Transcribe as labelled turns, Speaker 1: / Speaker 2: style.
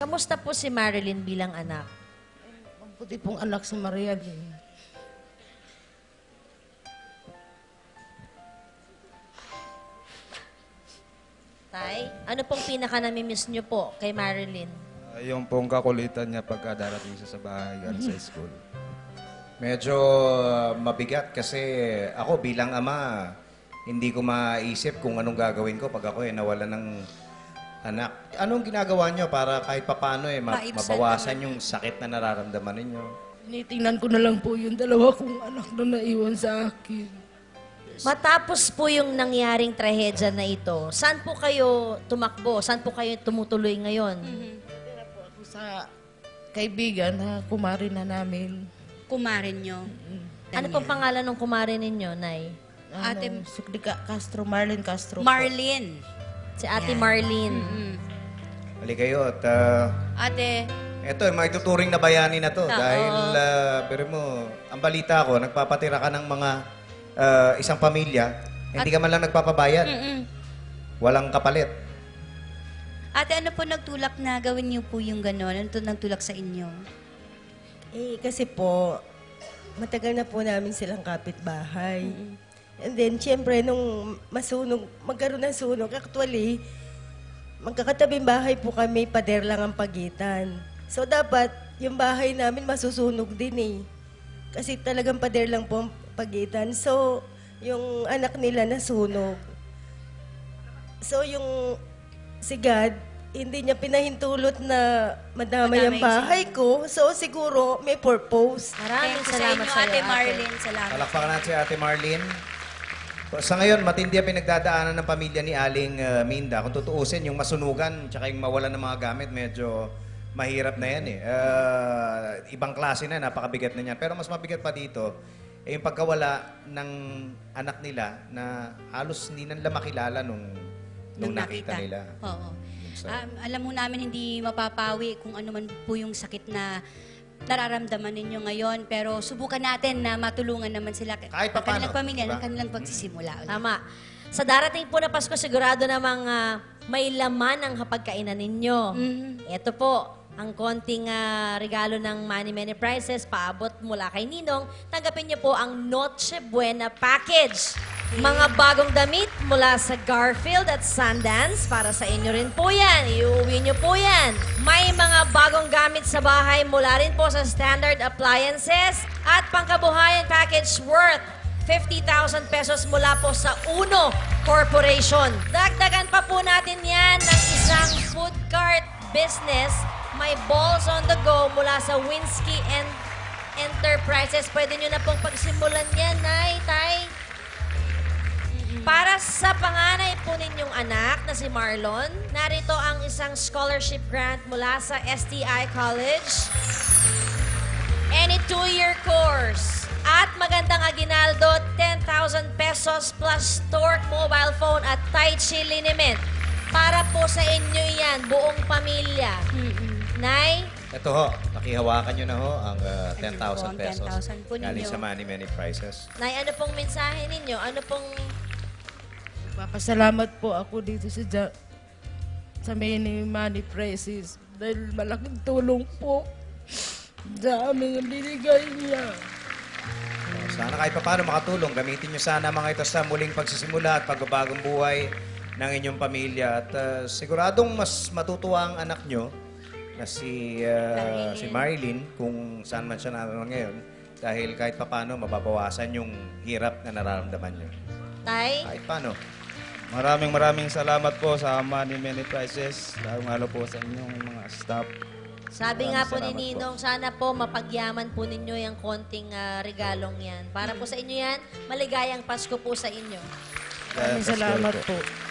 Speaker 1: Kamusta po si Marilyn bilang anak?
Speaker 2: Mabuti pong anak si Maria din.
Speaker 1: Tay, ano pong pinaka-namimiss niyo po kay Marilyn?
Speaker 3: Yung pong kakulitan niya pagka darating siya sa bahay galing sa school.
Speaker 4: Medyo mabigat kasi ako bilang ama, hindi ko maisip kung anong gagawin ko pag ako nawala ng anak. Anong ginagawa niyo para kahit papano mabawasan yung sakit na nararamdaman ninyo?
Speaker 2: Tinitingnan ko na lang po yung dalawa kong anak na naiwan sa akin.
Speaker 1: Matapos po yung nangyaring trahedya na ito, saan po kayo tumakbo? Saan po kayo tumutuloy ngayon?
Speaker 2: Tira po ako sa kaibigan na kumari na namin.
Speaker 5: Kumarin nyo.
Speaker 1: Ano pong pangalan ng kumare ninyo, Nay?
Speaker 5: Ate-
Speaker 2: Suklika Castro, Marlene Castro. po.
Speaker 5: Marlene.
Speaker 1: Si Ate Marlene.
Speaker 4: Hali kayo at
Speaker 5: Ate,
Speaker 4: eto, may tuturing na bayani na to. Dahil, pero mo, ang balita ko, nagpapatira ka ng mga isang pamilya, hindi ka man lang nagpapabayad. Walang kapalit.
Speaker 5: ate, ano po nagtulak na gawin niyo po yung gano'n? Ano to nagtulak sa inyo?
Speaker 6: Kasi po, matagal na po namin silang kapitbahay. And then, siyempre, nung magkaroon ng sunog, actually, magkakatabing bahay po kami, pader lang ang pagitan. So, dapat, yung bahay namin masusunog din eh. Kasi talagang pader lang po ang pagitan. So, yung anak nila nasunog. So, yung si God, hindi niya pinahintulot na madamay ang bahay ko. So, siguro may purpose.
Speaker 1: Maraming
Speaker 5: Thank you
Speaker 1: salamat
Speaker 5: sa
Speaker 1: sa
Speaker 5: inyo,
Speaker 1: iyo,
Speaker 5: Ate Marlene. Salamat.
Speaker 4: Palakpakan natin si Ate Marlene. Sa ngayon, matindi ang pinagdadaanan ng pamilya ni Aling Minda. Kung tutuusin, yung masunugan tsaka yung mawalan ng mga gamit, medyo mahirap na yan eh. Ibang klase na, napakabigat na yan. Pero mas mabigat pa dito, yung pagkawala ng anak nila na halos hindi nila makilala nung nakita nila.
Speaker 5: Oo. Alam mo namin hindi mapapawi kung ano man po yung sakit na nararamdaman ninyo ngayon. Pero subukan natin na matulungan naman sila.
Speaker 4: Kahit
Speaker 5: ang
Speaker 4: papaano,
Speaker 5: kanilang pamilya,
Speaker 4: diba?
Speaker 5: ang kanilang pagsisimula. ulit.
Speaker 1: Tama. Sa darating po na Pasko, sigurado namang may laman ang hapagkainan ninyo. Ito po, ang konting regalo ng Money Many Prizes, paabot mula kay Ninong. Tanggapin niyo po ang Noche Buena Package. Mga bagong damit mula sa Garfield at Sundance. Para sa inyo rin po yan. Iuwi niyo po yan. May mga bagong gamit sa bahay mula rin po sa Standard Appliances. At pangkabuhayan package worth 50,000 pesos mula po sa Uno Corporation. Dagdagan pa po natin yan ng isang food cart business. May balls on the go mula sa Winsky and Enterprises. Pwede nyo na pong pagsimulan yan, Nay, Tay. Para sa panganay po ninyong anak na si Marlon, narito ang isang scholarship grant mula sa STI College. Any 2-year course. At magandang aginaldo, 10,000 pesos plus Torque mobile phone at Tai Chi liniment. Para po sa inyo yan, buong pamilya. Nay?
Speaker 4: Ito ho, pakihawakan nyo na ho ang 10,000 pesos.
Speaker 5: 10,000 po
Speaker 4: Galing
Speaker 5: ninyo.
Speaker 4: sa Money Many Prizes.
Speaker 1: Nay, ano pong mensahe ninyo? Ano pong...
Speaker 2: Papasalamat po ako dito sa Many Money Prizes dahil malaking tulong po sa amin ang binigay niya.
Speaker 4: Sana kahit paano makatulong. Gamitin nyo sana mga ito sa muling pagsisimula at pagbabagong buhay ng inyong pamilya. At siguradong mas matutuwa ang anak nyo na si Marilyn kung saan man siya naroon ngayon. Dahil kahit paano mababawasan yung hirap na nararamdaman nyo.
Speaker 1: Tay?
Speaker 4: Kahit paano.
Speaker 3: Maraming salamat po sa Money Many Prizes. Lalo po sa inyong mga staff.
Speaker 1: Sabi nga po ni
Speaker 3: Salamat po.
Speaker 1: Ninong, sana po mapagyaman po ninyo yung konting regalong yan. Para po sa inyo yan, maligayang Pasko po sa inyo.
Speaker 2: Maraming salamat po.